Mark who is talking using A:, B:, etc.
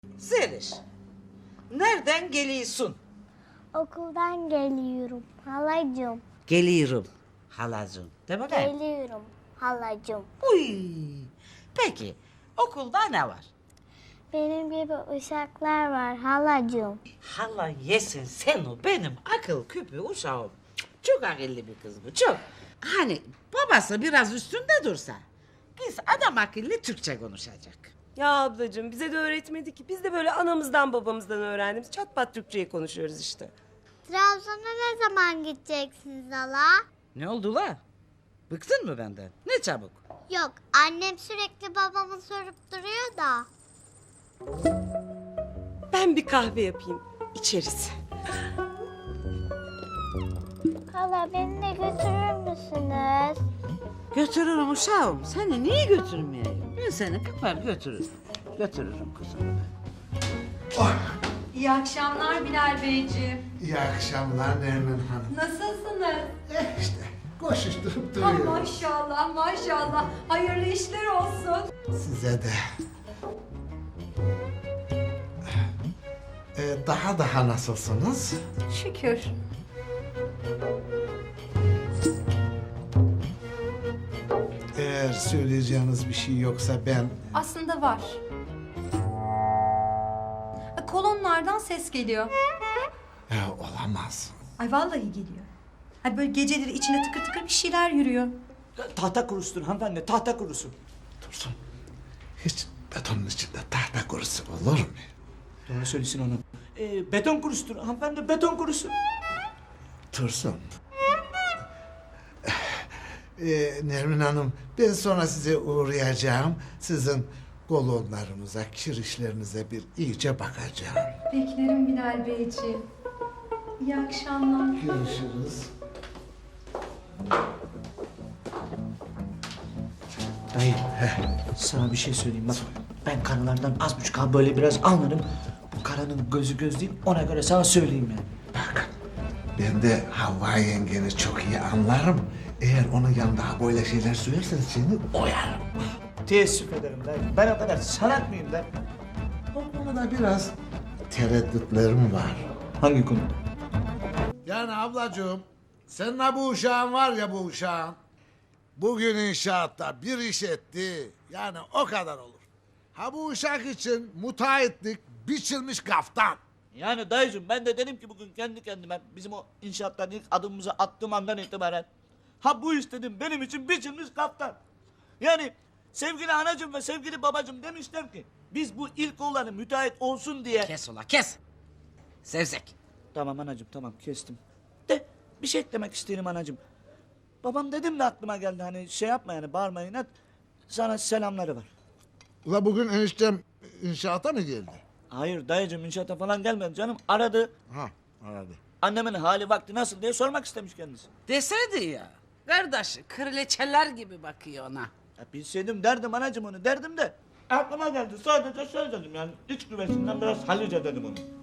A: Zeliş, nereden geliyorsun?
B: Okuldan geliyorum halacığım.
A: Geliyorum halacığım. De bakayım.
B: Geliyorum halacığım.
A: Uy. Peki, okulda ne var?
B: Benim gibi uşaklar var halacığım.
A: Hala yesin sen o benim akıl küpü uşağım. Çok akıllı bir kız bu, çok. Hani babası biraz üstünde dursa, kız adam akıllı Türkçe konuşacak.
C: Ya ablacığım bize de öğretmedi ki. Biz de böyle anamızdan babamızdan öğrendiğimiz çat pat Türkçeyi konuşuyoruz işte.
B: Trabzon'a ne zaman gideceksiniz hala?
A: Ne oldu la? Bıktın mı benden? Ne çabuk.
B: Yok, annem sürekli babamı sorup duruyor da.
C: Ben bir kahve yapayım. İçeriz.
B: Hala beni de götürür müsünüz?
A: Götürürüm uşağım. Seni niye götürmeyeyim? Ben seni kapar götürürüm. Götürürüm kızım.
D: İyi akşamlar Bilal Beyciğim.
E: İyi akşamlar Nermin Hanım.
D: Nasılsınız?
E: İşte koşuşturup
D: Ah,
E: duruyoruz.
D: maşallah maşallah. Hayırlı işler olsun.
E: Size de. Daha nasılsınız?
D: Şükür.
E: Eğer söyleyeceğiniz bir şey yoksa ben...
D: Aslında var. Kolonlardan ses geliyor.
E: Olamaz.
D: Ay vallahi geliyor. Ay böyle geceleri içine tıkır tıkır bir şeyler yürüyor.
F: Tahta kurusudur hanımefendi, tahta kurusu.
E: Dursun. Hiç betonun içinde tahta kurusu olur mu?
F: Doğru söylesin onu. Beton kurusudur hanımefendi, beton kurusu.
E: Dursun. Nermin Hanım, ben sonra size uğrayacağım. Sizin kolonlarınıza, kirişlerinize bir iyice bakacağım.
D: Beklerim Bilal Beyciğim. İyi akşamlar.
E: Görüşürüz.
F: Dayı, sana bir şey söyleyeyim bak. Ben karılardan az buçuk abi böyle biraz anlarım. Bu karanın gözü göz değil, ona göre sana söyleyeyim yani.
E: Bak, ben de Havva yengeni çok iyi anlarım. Eğer onun yanında böyle şeyler söylersen seni oyarım.
F: Teessüf ederim dayı. Ben o kadar salak mıyım lan?
E: O konuda biraz tereddütlerim var.
F: Hangi konuda?
E: Yani ablacığım, senin ha bu uşağın var ya bu uşağın. Bugün inşaatta bir iş etti. Yani o kadar olur. Ha bu uşak için müteahhitlik biçilmiş kaftan.
F: Yani dayıcığım ben de dedim ki bugün kendi kendime bizim o inşaattan ilk adımımızı attığım andan itibaren ha bu iş dedim benim için biçilmiş kaftan. Yani sevgili anacığım ve sevgili babacığım demişler ki biz bu ilk oğlanı müteahhit olsun diye.
A: Kes ula kes. Sevzek.
F: Tamam anacığım tamam kestim. De bir şey eklemek isterim anacığım. Babam dedim de aklıma geldi hani şey yapma yani bağırma inat. Sana selamları var.
E: Ula bugün eniştem inşaata mı geldi?
F: Hayır dayıcığım inşaata falan gelmedi canım aradı.
E: Ha, aradı.
F: Annemin hali vakti nasıl diye sormak istemiş kendisi.
A: Deseydi ya. Kardeş kraliçeler gibi bakıyor ona.
F: Ya bilseydim derdim anacığım onu derdim de. Aklıma geldi sadece söyledim yani iç güvesinden biraz hallice dedim onu.